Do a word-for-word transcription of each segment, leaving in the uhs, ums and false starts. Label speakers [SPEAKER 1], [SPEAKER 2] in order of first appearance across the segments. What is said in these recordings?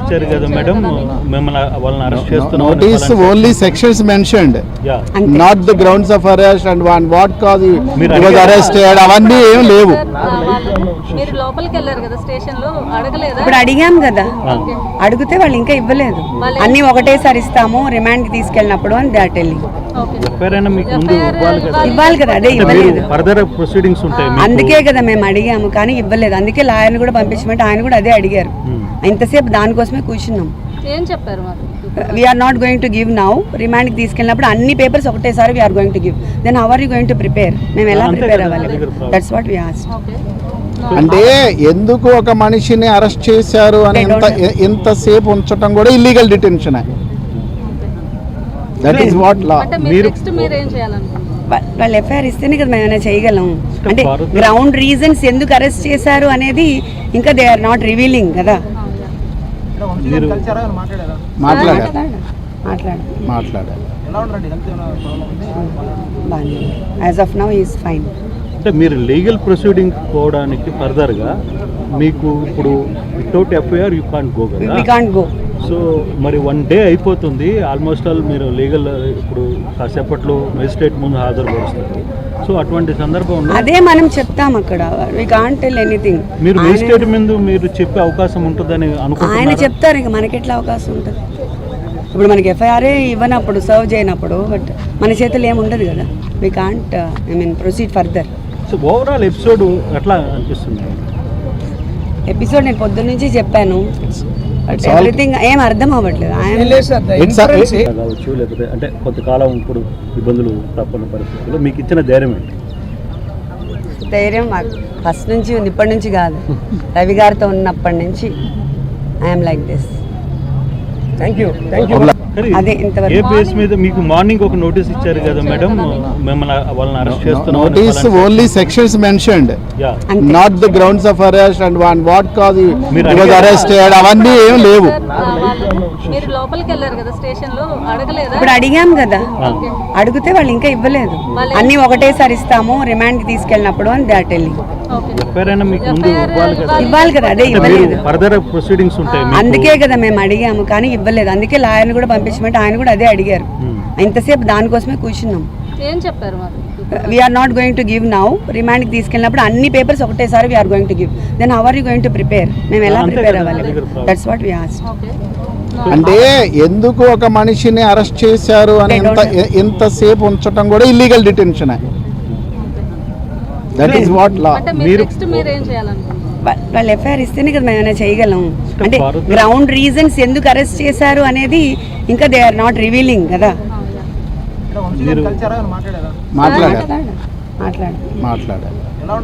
[SPEAKER 1] ఇచ్చారు కదా మేడం, మిమ్మల్ని వాళ్ళని అరెస్ట్ చేస్తున్నాం.
[SPEAKER 2] Notice only sections mentioned, not the grounds of arrest and one what cause he was arrested. అవన్నీ ఏం లేవు.
[SPEAKER 3] మీరు లోపలికి వెళ్ళారు కదా స్టేషన్ లో, అడగలేదా?
[SPEAKER 4] ఇప్పుడు అడిగాం కదా, అడిగితే వాళ్ళు ఇంకా ఇవ్వలేదు. అన్ని ఒకటేసారి ఇస్తాము రిమాండ్ కి తీసుకెళ్ళినప్పుడు అని దే ఆర్ టెల్లింగ్. ఇవ్వాలి కదా, అదే ఇవ్వలేదు. అందుకే కదా మేము అడిగాము కానీ ఇవ్వలేదు. అందుకే లాయర్ని కూడా పంపించమంటే ఆయన కూడా అదే అడిగారు. ఇంతసేపు దానికోసమే కూర్చున్నాం.
[SPEAKER 3] ఏం చెప్పారు?
[SPEAKER 4] We're not going to give now, రిమాండ్కి తీసుకెళ్ళినప్పుడు అన్ని పేపర్స్ ఒకటేసారి we're going to give. Then how are you going to prepare? మేము ఎలా ప్రిపేర్ అవ్వాలి? That's what we asked.
[SPEAKER 2] అంటే ఎందుకు ఒక మనిషిని అరెస్ట్ చేశారు అని ఎంత ఎంతసేపు ఉంచడం కూడా illegal detention. That is what law.
[SPEAKER 4] వాళ్ళు ఎఫ్ఐఆర్ ఇస్తేనే కదా మేము ఏమైనా చేయగలం. అంటే గ్రౌండ్ రీజన్స్ ఎందుకు అరెస్ట్ చేశారు అనేది ఇంకా దే ఆర్ నాట్ రివీలింగ్ కదా.
[SPEAKER 2] మాట్లాడారు మాట్లాడారు
[SPEAKER 4] as of now is fine.
[SPEAKER 1] అంటే మీరు లీగల్ ప్రొసీడింగ్ పోవడానికి ఫర్దర్గా మీకు ఇప్పుడు without FIR you can't go కదా.
[SPEAKER 4] We can't go.
[SPEAKER 1] సో మరి వన్ డే అయిపోతుంది ఆల్మోస్ట్ ఆల్, మీరు లీగల్ ఇప్పుడు కాసేపట్లో మెజిస్ట్రేట్ ముందు హాజరుపరుస్తారు. సో అటువంటి సందర్భంలో
[SPEAKER 4] అదే మనం చెప్తాం అక్కడ, వి కాంట్ టెల్ ఎనీథింగ్.
[SPEAKER 1] మీరు మెజిస్ట్రేట్ ముందు మీరు చెప్పే అవకాశం ఉంటుందని అనుకుంటున్నారా? ఆయన
[SPEAKER 4] చెప్తారు, ఇంకా మనకి ఎట్లా అవకాశం ఉంటుంది? ఇప్పుడు మనకి ఎఫ్ఐఆర్ ఇవ్వనప్పుడు, సర్వ్ చేయనప్పుడు, బట్ మన చేతులు ఏముండదు కదా. We can't I mean proceed further.
[SPEAKER 1] So overall episode ఎట్లా అనిపిస్తుంది?
[SPEAKER 4] ఎపిసోడ్ నేను పొద్దున్న నుంచి చెప్పాను, ఎవ్రీథింగ్ ఏం అర్థం అవ్వట్లేదు.
[SPEAKER 1] కావచ్చు లేకపోతే అంటే కొంతకాలం ఇప్పుడు ఇబ్బందులు తప్పని పరిస్థితుల్లో మీకు ఇచ్చిన ధైర్యం ఏంటి?
[SPEAKER 4] ధైర్యం ఫస్ట్ నుంచి ఉంది, ఇప్పటి నుంచి కాదు. రవి గారితో ఉన్నప్పటి నుంచి I'm like this.
[SPEAKER 1] Thank you thank you.
[SPEAKER 4] అదే ఇంతవరకు
[SPEAKER 1] ఏ బేస్ మీద మీకు మార్నింగ్ ఒక నోటీస్ ఇచ్చారు కదా మేడం, మిమ్మల్ని వాళ్ళని అరెస్ట్ చేస్తున్నాం.
[SPEAKER 2] Notice only sections mentioned, not the grounds of arrest and one what cause he was arrested. అవన్నీ ఏం లేవు.
[SPEAKER 3] మీరు లోపలికి వెళ్ళారు కదా స్టేషన్ లో, అడగలేదా?
[SPEAKER 4] ఇప్పుడు అడిగాం కదా, అడిగితే వాళ్ళు ఇంకా ఇవ్వలేదు. అన్ని ఒకటేసారి ఇస్తాము రిమాండ్కి తీసుకెళ్ళినప్పుడు అని దే ఆర్ టెల్లింగ్. ఇవ్వాలి కదా, అదే ఇవ్వలేదు. అందుకే కదా మేము అడిగాము కానీ ఇవ్వలేదు. అందుకే లాయర్ని కూడా పంపించమంటే ఆయన కూడా అదే అడిగారు. ఇంతసేపు దానికోసమే కూర్చున్నాం.
[SPEAKER 3] ఏం చెప్పారు?
[SPEAKER 4] We're not going to give now, రిమాండ్కి తీసుకెళ్ళినప్పుడు అన్ని పేపర్స్ ఒకటేసారి we're going to give. Then how are you going to prepare? మేము ఎలా ప్రిపేర్ అవ్వాలి? That's what we asked.
[SPEAKER 2] అంటే ఎందుకు ఒక మనిషిని అరెస్ట్ చేశారు అని ఎంత ఎంతసేపు ఉంచడం కూడా illegal detention. That is what law.
[SPEAKER 4] వాళ్ళు ఎఫ్ఐఆర్ ఇస్తేనే కదా మేము ఏమైనా చేయగలం. అంటే గ్రౌండ్ రీజన్స్ ఎందుకు అరెస్ట్ చేశారు అనేది ఇంకా దే ఆర్ నాట్ రివీలింగ్ కదా.
[SPEAKER 2] మాట్లాడారు
[SPEAKER 4] మాట్లాడారు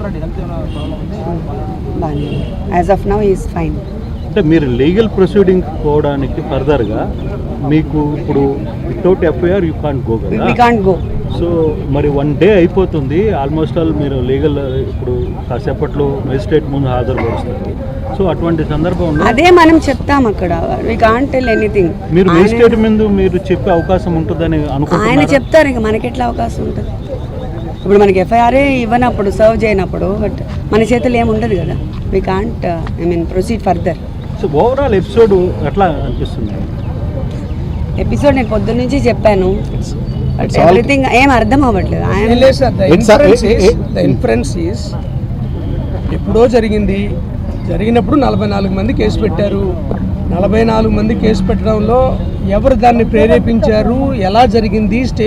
[SPEAKER 4] as of now is fine.
[SPEAKER 1] అంటే మీరు లీగల్ ప్రొసీడింగ్ పోవడానికి ఫర్దర్గా మీకు ఇప్పుడు without FIR you can't go కదా.
[SPEAKER 4] We can't go.
[SPEAKER 1] సో మరి వన్ డే అయిపోతుంది ఆల్మోస్ట్ ఆల్, మీరు లీగల్ ఇప్పుడు కాసేపట్లో మెజిస్ట్రేట్ ముందు హాజరుపరుస్తారు. సో అటువంటి సందర్భంలో
[SPEAKER 4] అదే మనం చెప్తాం అక్కడ, వి కాంట్ టెల్ ఎనీథింగ్.
[SPEAKER 1] మీరు మెజిస్ట్రేట్ ముందు మీరు చెప్పే అవకాశం ఉంటుందని అనుకుంటున్నారా?
[SPEAKER 4] ఆయన చెప్తారు, ఇంకా మనకి ఎట్లా అవకాశం ఉంటుంది? ఇప్పుడు మనకి ఎఫ్ఐఆర్ ఇవ్వనప్పుడు, సర్వ్ చేయనప్పుడు, బట్ మన చేతులు ఏముండదు కదా. We can't I mean proceed further.
[SPEAKER 1] So overall episode ఎట్లా అనిపిస్తుంది?
[SPEAKER 4] ఎపిసోడ్ నేను పొద్దున్న నుంచి చెప్పాను, ఎవ్రీథింగ్ ఏం అర్థం అవ్వట్లేదు.
[SPEAKER 5] ఇన్ఫరెన్స్ ఈస్ ఎప్పుడో జరిగింది. జరిగినప్పుడు నలభై నాలుగు మంది కేసు పెట్టారు. నలభై నాలుగు మంది కేసు పెట్టడంలో ఎవరు దాన్ని ప్రేరేపించారు, ఎలా జరిగింది, స్టే